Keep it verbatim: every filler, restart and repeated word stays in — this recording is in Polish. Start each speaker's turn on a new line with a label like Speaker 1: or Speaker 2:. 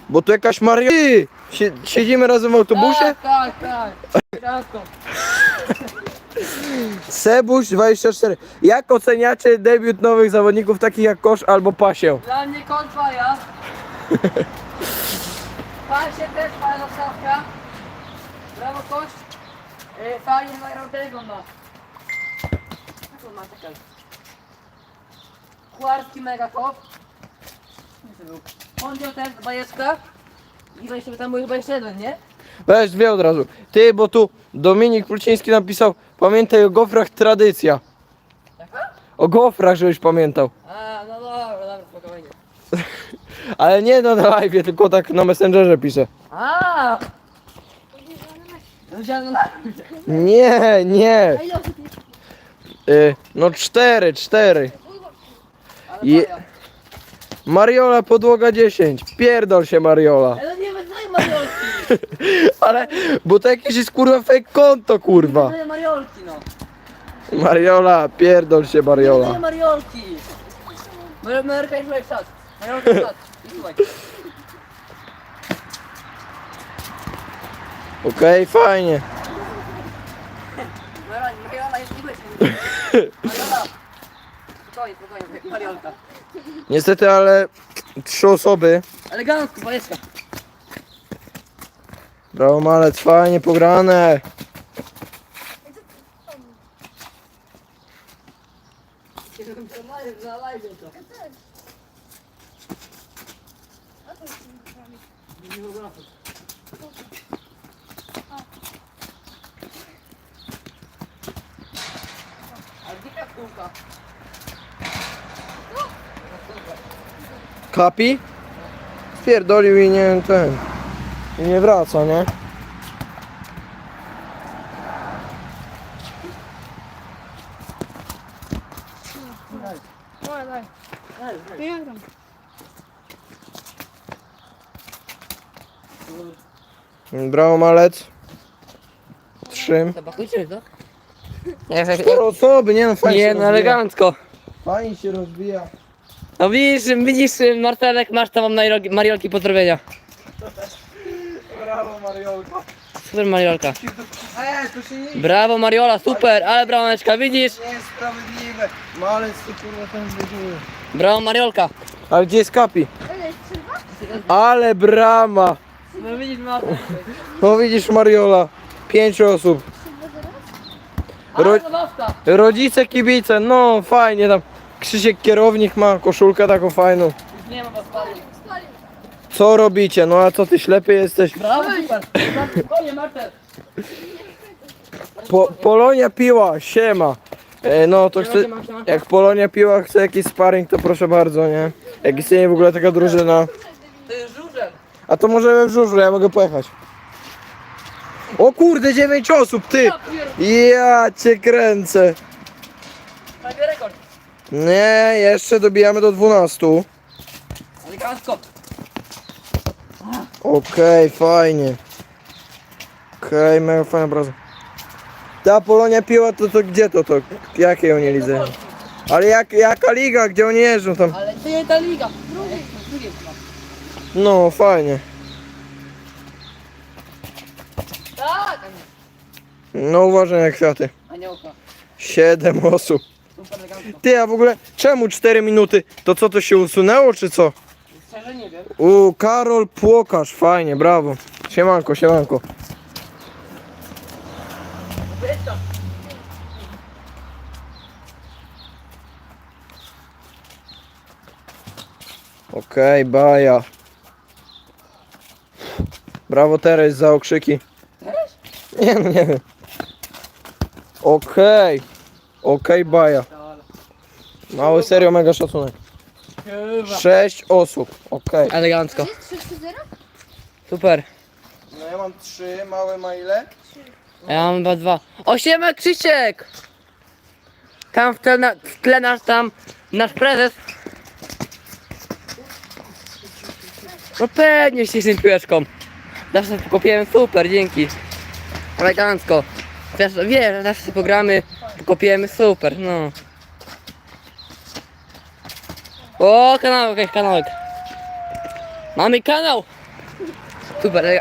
Speaker 1: Bo tu jakaś Mario... Ty! Sie- Siedzimy razem w autobusie?
Speaker 2: Tak, tak, tak. Ciastko.
Speaker 1: Sebuś dwadzieścia cztery. Jak oceniacie debiut nowych zawodników takich jak Kosz albo Pasieł?
Speaker 2: Dla mnie kąt faja. Pasie też fajna stawka. Brawo kość. E, fajnie mają tego ma. Jaką ma taka? Kucharski mega top. On wziął ten bajeczka. I weź tam był chyba jeszcze jeden, nie?
Speaker 1: Weź dwie od razu. Ty, bo tu Dominik Pluciński napisał: pamiętaj o gofrach, tradycja.
Speaker 2: Jaka?
Speaker 1: O gofrach, żebyś pamiętał.
Speaker 2: A, no dobra, dobra, spokojnie.
Speaker 1: Ale nie no na live, tylko tak na Messengerze pisze.
Speaker 2: A! Wziąłem na...
Speaker 1: Nie, nie. Y, no cztery, cztery.
Speaker 2: Ale
Speaker 1: Je-
Speaker 2: faja.
Speaker 1: Mariola podłoga dziesięć. Pierdol się Mariola.
Speaker 2: Ale nie wyznaj Mariolki!
Speaker 1: Ale, bo to jakieś jest kurwa fake konto kurwa.
Speaker 2: Wyznaj Mariolki, no.
Speaker 1: Mariola, pierdol się
Speaker 2: Nie
Speaker 1: Mariola.
Speaker 2: Mariolki! Mar- Marka i słuchaj czas. Mariolka czas. I słuchaj.
Speaker 1: Okej, fajnie.
Speaker 2: Mariola, Mariola jest nie myśli. Mariola! Spokojnie, spokojnie, Mariolka.
Speaker 1: Niestety, ale trzy osoby.
Speaker 2: Elegancko, bajeczka.
Speaker 1: Brawo malec, fajnie pograne.
Speaker 2: Na live to. A gdzie kapsułka?
Speaker 1: Kapi? Spierdolił i nie ten. I nie wraca, nie?
Speaker 3: Давай, давай. Я там.
Speaker 1: Brawo malec. Trzy.
Speaker 2: Zapakujcie to?
Speaker 1: Cztery osoby, nie no fajnie się
Speaker 2: Nie, no
Speaker 1: rozwija.
Speaker 2: elegancko.
Speaker 1: Fajnie się rozwija.
Speaker 2: No widzisz, widzisz Martelek, masz tam Mariolki, Mariolki pozdrowienia.
Speaker 1: Brawo Mariolka.
Speaker 2: Super Mariolka.
Speaker 1: Eee, to się nie
Speaker 2: Brawo Mariola, super, ale brameczka, widzisz?
Speaker 1: niesprawiedliwe. Malec to kurwa ten wydziły.
Speaker 2: Brawo Mariolka.
Speaker 1: Ale gdzie jest Kapi? Ale brama.
Speaker 2: No widzisz Martel.
Speaker 1: No widzisz Mariola. Pięć osób. Ro-
Speaker 2: Ale zabawka.
Speaker 1: Rodzice, kibice, no fajnie tam. Krzysiek kierownik ma koszulkę taką fajną.
Speaker 2: Już nie ma was pali.
Speaker 1: Co robicie? No a co ty ślepy jesteś?
Speaker 2: Brawo, super. Spokojnie Martel.
Speaker 1: Po, Polonia piła, siema. E, no to chcę, jak Polonia piła chce jakiś sparring, to proszę bardzo, nie? Jak istnieje w ogóle taka drużyna.
Speaker 2: To jest żużel.
Speaker 1: A to możemy w żużlu, ja mogę pojechać. O kurde, dziewięć osób, ty! Ja cię kręcę.
Speaker 2: Prawie rekord.
Speaker 1: Nie, jeszcze dobijamy do dwunastu.
Speaker 2: Elegancko.
Speaker 1: Okej, fajnie. Okej, mega fajna praca. Ta Polonia piła, to, to gdzie to, to? Jakiej oni lidze? Ale jak, jaka liga, gdzie oni jeżdżą tam?
Speaker 2: Ale to nie ta liga. Drugie. Drugie chyba.
Speaker 1: No, fajnie.
Speaker 2: Tak.
Speaker 1: No uważaj na kwiaty.
Speaker 2: Aniołka.
Speaker 1: Siedem osób.
Speaker 2: Super elegancko.
Speaker 1: Ty, a w ogóle czemu cztery minuty? To co, to się usunęło, czy co?
Speaker 2: Szczerze nie wiem.
Speaker 1: U, Karol Płokarz, fajnie, brawo. Siemanko, siemanko.
Speaker 2: Wiesz to.
Speaker 1: Okej, baja. Brawo Teres za okrzyki.
Speaker 2: Też?
Speaker 1: Nie no, nie wiem. Okej. Okej, baja. Mały, serio, mega szacunek.
Speaker 2: Chyba.
Speaker 1: Sześć osób, okej.
Speaker 2: Elegancko.
Speaker 3: trzy trzy zero?
Speaker 2: Super.
Speaker 1: No ja mam trzy, małe ma ile?
Speaker 2: A ja mam chyba dwa. Osiema Krzysiek! Tam w tle, na, w tle nasz tam, nasz prezes. No pewnie się z tym piłeczką. Zawsze pokopiłem, super, dzięki. Elegancko. Wiesz, wiesz, zawsze sobie pogramy, pokopiemy, super, no. O, kanałek, jakiś kanałek. Mamy kanał! Super,